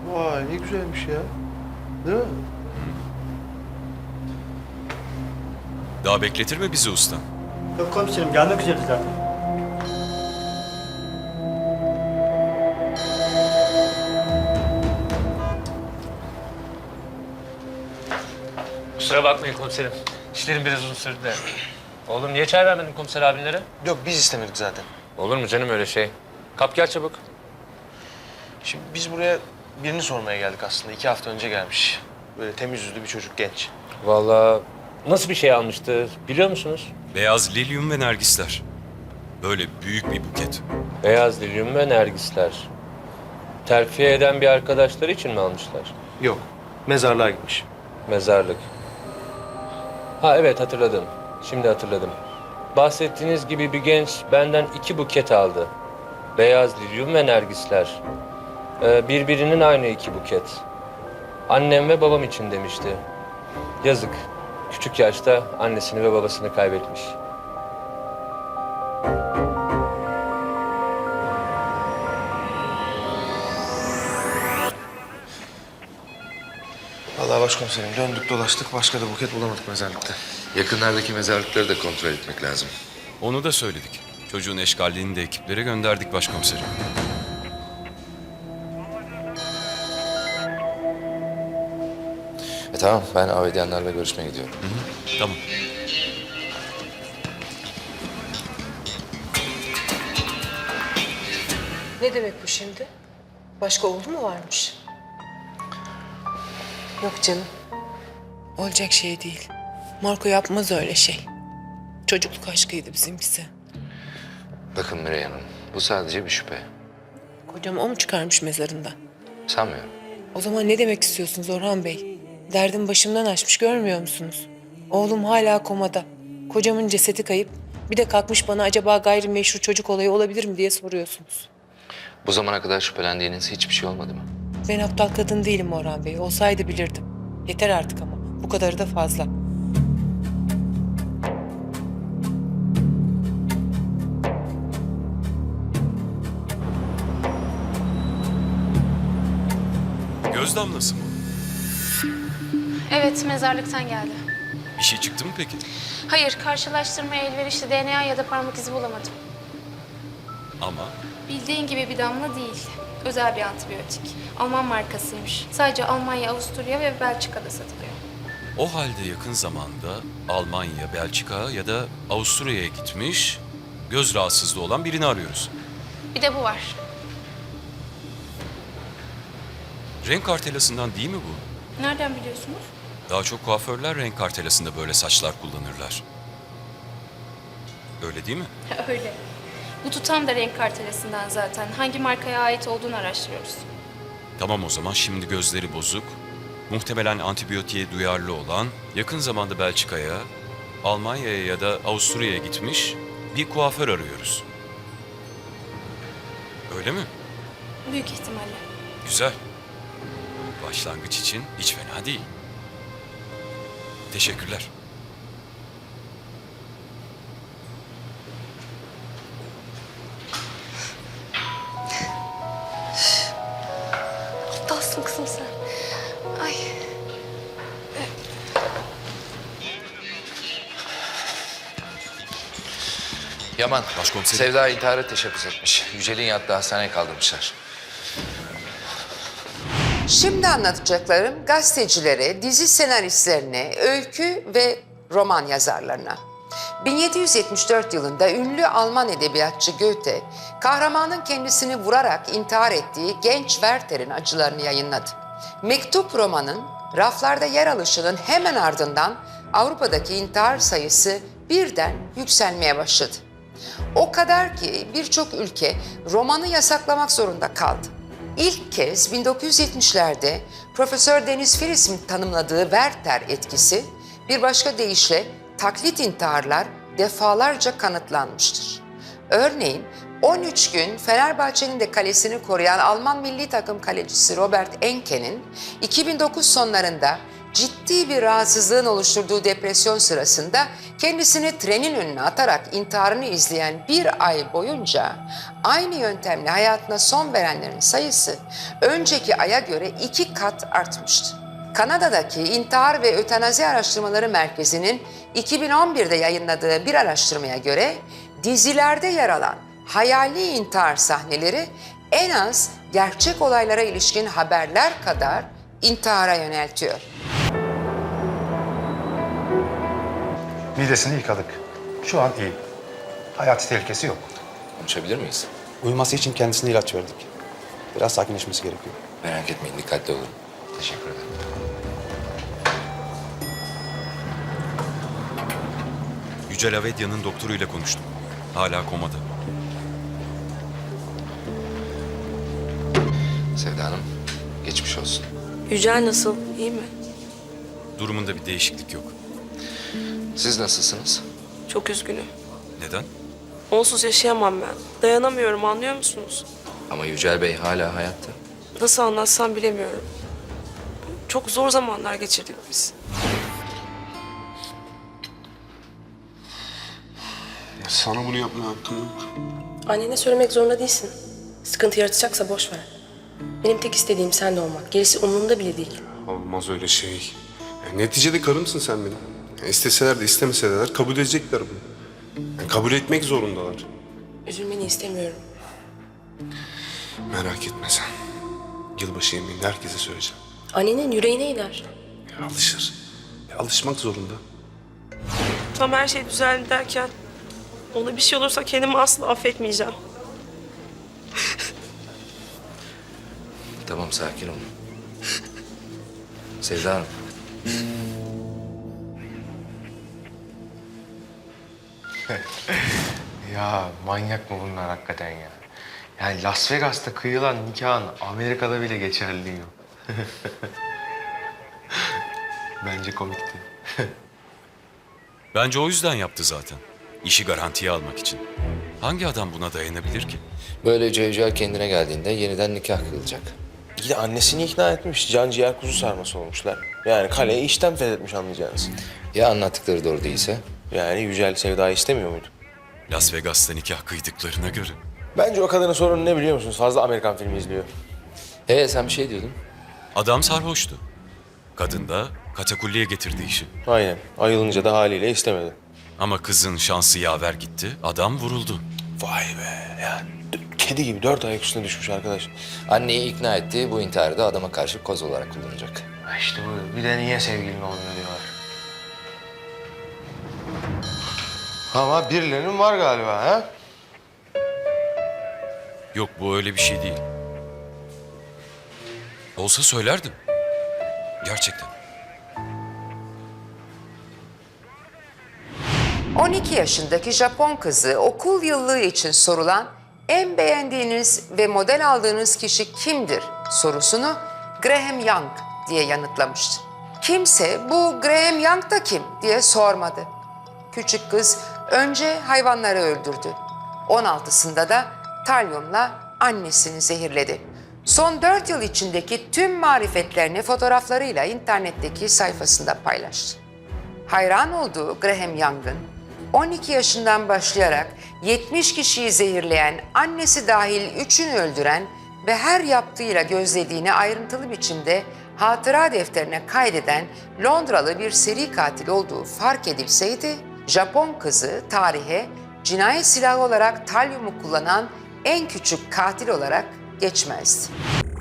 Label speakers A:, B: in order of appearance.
A: Vay ne güzelmiş ya. Değil mi?
B: Daha bekletir mi bizi usta?
C: Yok komiserim, gelmek üzere zaten.
D: Kusura bakmayın komiserim. İşlerim biraz uzun sürdü de. Oğlum niye çay vermedin komiser abinlere?
A: Yok biz istemedik zaten.
D: Olur mu canım öyle şey? Kap gel çabuk.
A: Şimdi biz buraya birini sormaya geldik aslında. 2 hafta önce gelmiş. Böyle temiz yüzlü bir çocuk genç.
D: Vallahi nasıl bir şey almıştı biliyor musunuz?
B: Beyaz lilyum ve nergisler. Böyle büyük bir buket.
D: Beyaz lilyum ve nergisler. Terfiye eden bir arkadaşları için mi almışlar?
A: Yok. Mezarlığa gitmiş.
D: Mezarlık. Ha evet hatırladım. Şimdi hatırladım. Bahsettiğiniz gibi bir genç benden 2 buket aldı. Beyaz lilyum ve nergisler. Birbirinin aynı 2 buket. Annem ve babam için demişti. Yazık. Küçük yaşta annesini ve babasını kaybetmiş.
A: Vallahi başkomiserim döndük dolaştık. Başka da buket bulamadık mezarlıkta.
E: Yakınlardaki mezarlıkları da kontrol etmek lazım.
B: Onu da söyledik. Çocuğun eşkalliğini de ekiplere gönderdik başkomiserim.
E: Tamam, ben Avediyanlarla görüşmeye gidiyorum.
B: Tamam.
F: Ne demek bu şimdi? Başka oğlu mu varmış? Yok canım. Olacak şey değil. Marco yapmaz öyle şey. Çocukluk aşkıydı bizimkisi.
E: Bakın Miray Hanım, bu sadece bir şüphe.
F: Kocam o mu çıkarmış mezarından?
E: Sanmıyorum.
F: O zaman ne demek istiyorsunuz Orhan Bey? Derdim başımdan aşmış görmüyor musunuz? Oğlum hala komada. Kocamın cesedi kayıp. Bir de kalkmış bana acaba gayrimeşru çocuk olayı olabilir mi diye soruyorsunuz.
E: Bu zamana kadar şüphelendiğiniz hiçbir şey olmadı mı?
F: Ben aptal kadın değilim Orhan Bey. Olsaydı bilirdim. Yeter artık ama. Bu kadarı da fazla.
B: Göz damlası mı?
G: Evet, mezarlıktan geldi.
B: Bir şey çıktı mı peki?
G: Hayır, karşılaştırmaya elverişli DNA ya da parmak izi bulamadım.
B: Ama
G: Bildiğin gibi bir damla değil. Özel bir antibiyotik. Alman markasıymış. Sadece Almanya, Avusturya ve Belçika'da satılıyor.
B: o halde yakın zamanda Almanya, Belçika ya da Avusturya'ya gitmiş, göz rahatsızlığı olan birini arıyoruz.
G: Bir de bu var.
B: Renk kartelasından değil mi bu?
G: Nereden biliyorsunuz?
B: Daha çok kuaförler renk kartelasında böyle saçlar kullanırlar. Öyle değil mi?
G: Öyle. Bu tutam da renk kartelesinden zaten. Hangi markaya ait olduğunu araştırıyoruz.
B: Tamam o zaman şimdi gözleri bozuk, muhtemelen antibiyotiğe duyarlı olan, yakın zamanda Belçika'ya, Almanya'ya ya da Avusturya'ya gitmiş bir kuaför arıyoruz. Öyle mi?
G: Büyük ihtimalle.
B: Güzel. Başlangıç için hiç fena değil. Teşekkürler.
G: Aptalsın kızım sen. Ay.
E: Yaman,
B: Başkomiserim.
E: Sevda intihara teşebbüs etmiş. Yücel'in yattığı hastaneye kaldırmışlar.
H: Şimdi anlatacaklarım gazetecilere, dizi senaristlerine, öykü ve roman yazarlarına. 1774 yılında ünlü Alman edebiyatçı Goethe, kahramanın kendisini vurarak intihar ettiği genç Werther'in acılarını yayınladı. Mektup romanın raflarda yer alışının hemen ardından Avrupa'daki intihar sayısı birden yükselmeye başladı. O kadar ki birçok ülke romanı yasaklamak zorunda kaldı. İlk kez 1970'lerde Profesör Deniz Firis'in tanımladığı Werther etkisi, bir başka deyişle taklit intiharlar defalarca kanıtlanmıştır. Örneğin 13 gün Fenerbahçe'nin de kalesini koruyan Alman milli takım kalecisi Robert Enke'nin 2009 sonlarında ciddi bir rahatsızlığın oluşturduğu depresyon sırasında kendisini trenin önüne atarak intiharını izleyen bir ay boyunca aynı yöntemle hayatına son verenlerin sayısı önceki aya göre 2 kat artmıştı. Kanada'daki İntihar ve Ötenazi Araştırmaları Merkezi'nin 2011'de yayınladığı bir araştırmaya göre dizilerde yer alan hayali intihar sahneleri en az gerçek olaylara ilişkin haberler kadar intihara yöneltiyor.
I: Midesini yıkadık. Şu an iyi. Hayati tehlikesi yok.
E: Konuşabilir miyiz?
I: Uyuması için kendisine ilaç verdik. Biraz sakinleşmesi gerekiyor.
E: Merak etmeyin, dikkatli olun. Teşekkür ederim.
B: Yücel Avedya'nın doktoruyla konuştum. Hala komada.
E: Sevda Hanım, geçmiş olsun.
J: Yücel nasıl? İyi mi?
B: Durumunda bir değişiklik yok.
E: Siz nasılsınız?
J: Çok üzgünüm.
B: Neden?
J: Onsuz yaşayamam ben. Dayanamıyorum, anlıyor musunuz?
E: Ama Yücel Bey hala hayatta.
J: Nasıl anlatsam bilemiyorum. Çok zor zamanlar geçirdik biz.
K: Sana bunu yapmaya hakkım yok.
J: Annene söylemek zorunda değilsin. Sıkıntı yaratacaksa boş ver. Benim tek istediğim sen de olmak. Gerisi umurumda bile değil.
K: Olmaz öyle şey. Neticede karımsın sen benim. İsteseler de istemeseler de kabul edecekler bunu. Kabul etmek zorundalar.
J: Üzülmeni istemiyorum.
K: Merak etme sen. Yılbaşı yemeğinde herkese söyleyeceğim.
J: Annenin yüreğine iner.
K: Alışır. Alışmak zorunda.
J: Tam her şey düzeldi derken ona bir şey olursa kendimi asla affetmeyeceğim.
E: Tamam, sakin olun. Sevda Hanım.
A: Ya manyak mı bunlar hakikaten ya? Yani Las Vegas'ta kıyılan nikahın Amerika'da bile geçerliliği yok. Bence komikti.
B: Bence o yüzden yaptı zaten. İşi garantiye almak için. Hangi adam buna dayanabilir ki?
E: Böylece Yücel kendine geldiğinde yeniden nikah kıyılacak.
A: Bir de annesini ikna etmiş. Can ciğer kuzu sarması olmuşlar. Yani kaleyi işten fethetmiş anlayacağınız.
E: Ya anlattıkları doğru değilse?
A: Yani Yücel Sevda'yı istemiyor muydu?
B: Las Vegas'ta nikah kıydıklarına göre.
A: Bence o kadının sorunu ne biliyor musunuz? Fazla Amerikan filmi izliyor.
E: Sen bir şey diyordun.
B: Adam sarhoştu. Kadın da katakulliye getirdi işi.
A: Aynen. Ayılınca da haliyle istemedi.
B: Ama kızın şansı yaver gitti. Adam vuruldu.
A: Vay be. Yani kedi gibi 4 ayak üstüne düşmüş arkadaş.
E: Anneyi ikna etti, bu intiharı da adama karşı koz olarak kullanacak.
A: İşte bu. Bir de niye sevgilin olmuyor diyorlar. Ama birilerinin var galiba ha?
B: Yok, bu öyle bir şey değil. Olsa söylerdim. Gerçekten.
H: 12 yaşındaki Japon kızı okul yıllığı için sorulan en beğendiğiniz ve model aldığınız kişi kimdir sorusunu Graham Young diye yanıtlamıştı. Kimse bu Graham Young da kim diye sormadı. Küçük kız önce hayvanları öldürdü. 16'sında da talyumla annesini zehirledi. Son 4 yıl içindeki tüm marifetlerini fotoğraflarıyla internetteki sayfasında paylaştı. Hayran olduğu Graham Young'ın 12 yaşından başlayarak 70 kişiyi zehirleyen, annesi dahil 3'ünü öldüren ve her yaptığıyla gözlediğini ayrıntılı biçimde hatıra defterine kaydeden Londralı bir seri katil olduğu fark edilseydi, Japon kızı tarihe cinayet silahı olarak talyumu kullanan en küçük katil olarak geçmezdi.